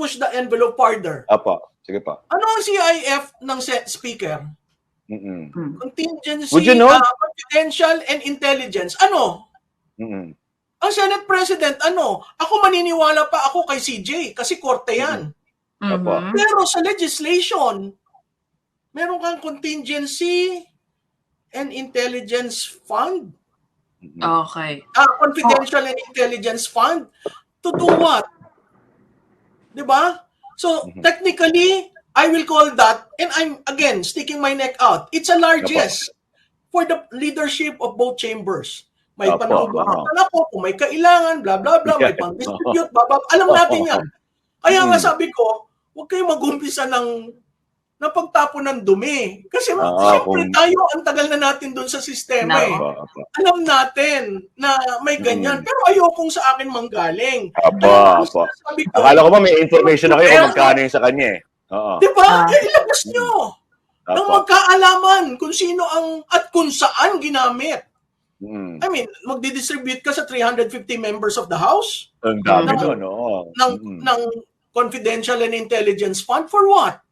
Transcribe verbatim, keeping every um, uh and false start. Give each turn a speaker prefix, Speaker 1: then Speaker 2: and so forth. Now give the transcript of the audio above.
Speaker 1: push the envelope farther.
Speaker 2: Apo, sige pa.
Speaker 1: Ano ang C I F ng speaker?
Speaker 2: Mm-mm.
Speaker 1: Contingency,
Speaker 2: Would you know?
Speaker 1: uh, confidential, and intelligence. Ano?
Speaker 2: Mm-mm.
Speaker 1: Ang Senate President, ano? Ako maniniwala pa ako kay C J kasi korte yan.
Speaker 2: Apo.
Speaker 3: Mhm.
Speaker 1: Pero sa legislation, meron kang contingency and intelligence fund.
Speaker 2: Mm-mm.
Speaker 3: Okay.
Speaker 1: Ah, confidential and intelligence fund. To do what? Diba? So,
Speaker 2: Mhm.
Speaker 1: technically, I will call that, and I'm, again, sticking my neck out. It's a largesse for the leadership of both chambers. May
Speaker 2: Apo,
Speaker 1: panuntutan ako, kung may kailangan, bla bla bla, may
Speaker 2: Yeah.
Speaker 1: pang-distribute, bla bla. Alam natin yan. Kaya nga
Speaker 2: Mm.
Speaker 1: sabi ko, huwag kayong mag-umpisa ng ng pagtapon ng dumi. Kasi
Speaker 2: Ah,
Speaker 1: siyempre
Speaker 2: kung-
Speaker 1: tayo, ang tagal na natin doon sa sistema eh.
Speaker 2: Apo, apo.
Speaker 1: Alam natin na may ganyan.
Speaker 2: Mm.
Speaker 1: Pero ayokong sa akin manggaling.
Speaker 2: Apo,
Speaker 1: Ayokong
Speaker 2: apo.
Speaker 1: sinasabi ko,
Speaker 2: Akala ko ba may information na kayo kung magkano yung sa kanya eh. Oo.
Speaker 1: di ba?
Speaker 3: Ah.
Speaker 1: Eh, ilabas nyo. Nang
Speaker 2: Apo.
Speaker 1: magkaalaman kung sino ang at kung saan ginamit.
Speaker 2: Mm.
Speaker 1: I mean, magdi-distribute ka sa three hundred fifty members of the House
Speaker 2: Ang dami
Speaker 1: Ng-
Speaker 2: doon, oo.
Speaker 1: ng
Speaker 2: Mm.
Speaker 1: ng confidential and intelligence fund for what?